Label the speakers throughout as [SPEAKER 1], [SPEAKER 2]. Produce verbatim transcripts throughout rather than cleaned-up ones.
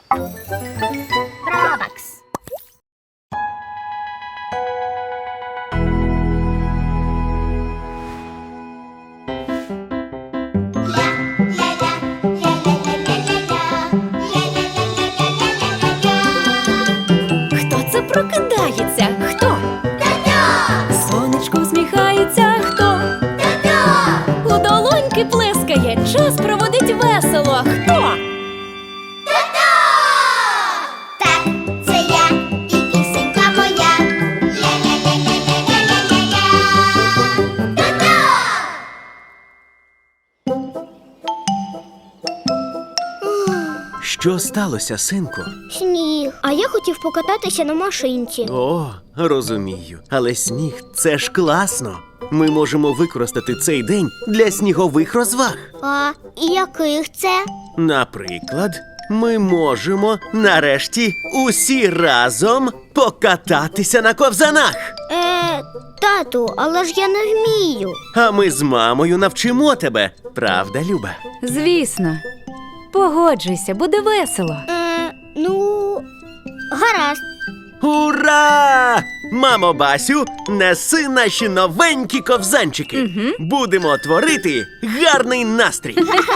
[SPEAKER 1] Робакс.
[SPEAKER 2] Хто це прокидається? Хто? Сонечко всміхається? Хто? У долоньки плескає, час проводить весело. Хто?
[SPEAKER 1] Так, це я і пісенька моя. Ля-ля-ля-ля-ля-ля-ля-ля-ля. Та-та!
[SPEAKER 3] Що сталося, синку?
[SPEAKER 1] Сніг. А я хотів покататися на машинці.
[SPEAKER 3] О, розумію. Але сніг – це ж класно. Ми можемо використати цей день для снігових розваг.
[SPEAKER 1] А і яких це?
[SPEAKER 3] Наприклад, ми можемо нарешті усі разом покататися на ковзанах.
[SPEAKER 1] Е, тату, але ж я не вмію.
[SPEAKER 3] А ми з мамою навчимо тебе. Правда, Люба?
[SPEAKER 2] Звісно. Погоджуйся, буде весело.
[SPEAKER 1] Е, ну, гаразд.
[SPEAKER 3] Ура! Мамо Басю, неси наші новенькі ковзанчики.
[SPEAKER 2] Мгм.
[SPEAKER 3] Будемо творити гарний настрій.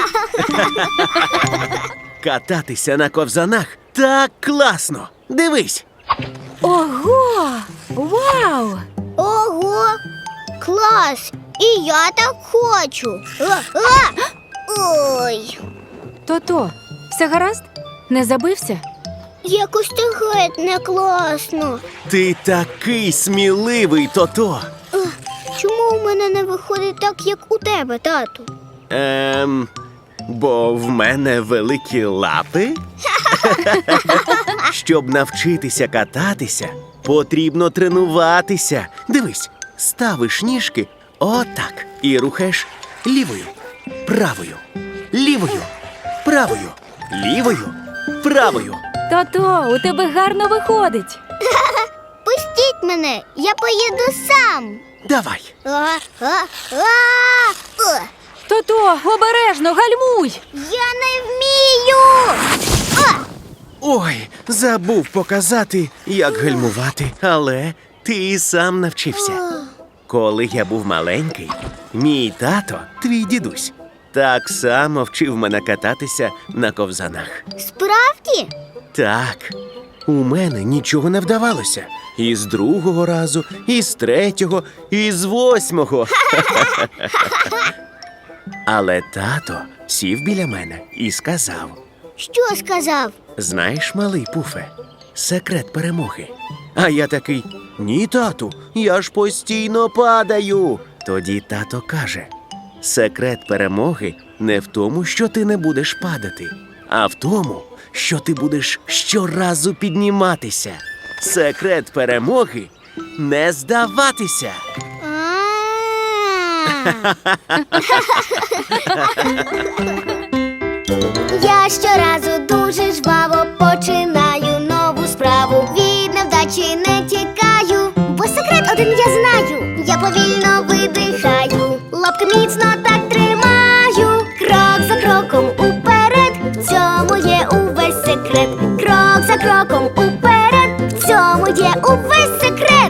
[SPEAKER 3] Кататися на ковзанах так класно. Дивись.
[SPEAKER 2] Ого! Вау!
[SPEAKER 1] Ого! Клас! І я так хочу. А, а! Ой,
[SPEAKER 2] То-то, все гаразд? Не забився?
[SPEAKER 1] якось ти геть не класно.
[SPEAKER 3] Ти такий сміливий, Тото.
[SPEAKER 1] Ех, Чому у мене не виходить так, як у тебе, тату?
[SPEAKER 3] Ем, бо в мене великі лапи. Щоб навчитися кататися, потрібно тренуватися. Дивись, ставиш ніжки отак і рухаєш лівою, правою, лівою, правою, лівою, правою.
[SPEAKER 2] То-то, у тебе гарно виходить.
[SPEAKER 1] Пустіть мене, я поїду сам.
[SPEAKER 3] Давай.
[SPEAKER 1] А, а, а, о,
[SPEAKER 2] То-то, обережно, гальмуй!
[SPEAKER 1] я не вмію. А,
[SPEAKER 3] Ой, забув показати, як гальмувати, але ти і сам навчився. Коли я був маленький, мій тато, твій дідусь, так само вчив мене кататися на ковзанах.
[SPEAKER 1] справді?
[SPEAKER 3] Так, у мене нічого не вдавалося. І з другого разу, і з третього, і з восьмого. Але тато сів біля мене і сказав:
[SPEAKER 1] Що сказав?
[SPEAKER 3] знаєш, малий Пуфе, секрет перемоги. А я такий: ні, тату, я ж постійно падаю. Тоді тато каже: секрет перемоги не в тому, що ти не будеш падати, а в тому, що ти будеш щоразу підніматися. Секрет перемоги – не здаватися.
[SPEAKER 1] Я щоразу дуже жваво починаю нову справу. Від невдачі не тікаю, бо секрет один я знаю. Я повільно видихаю, лапки міцно так тримаю. Крок за кроком уперед, в цьому є увесь секрет. Крок за кроком уперед, в цьому є увесь секрет.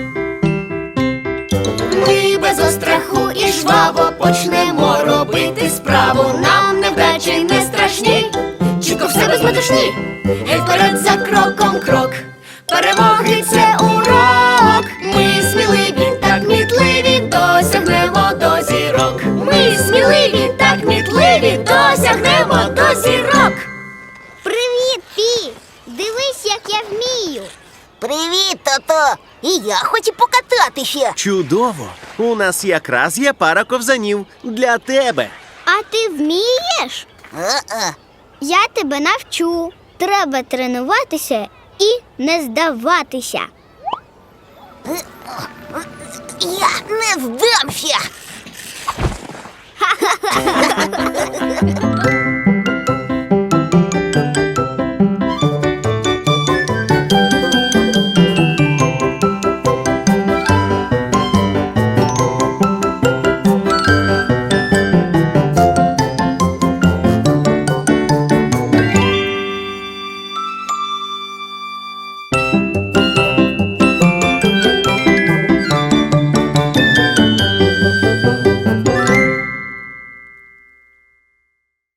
[SPEAKER 1] Ми без остраху і жваво почнемо робити справу. Нам невдачі не страшні, чітко в себе з метушні. Гей вперед за кроком крок, перемоги це урок. Ми сміливі, так кмітливі, досягнемо до зірок. Ми сміливі, так кмітливі, досягнемо до зірок. Привіт, Пі! Дивись, як я вмію.
[SPEAKER 4] Привіт, тато! І я хочу покататися.
[SPEAKER 3] Чудово! У нас якраз є пара ковзанів для тебе.
[SPEAKER 1] А ти вмієш?
[SPEAKER 4] А-а.
[SPEAKER 1] Я тебе навчу. Треба тренуватися і не здаватися.
[SPEAKER 4] Я не здамся.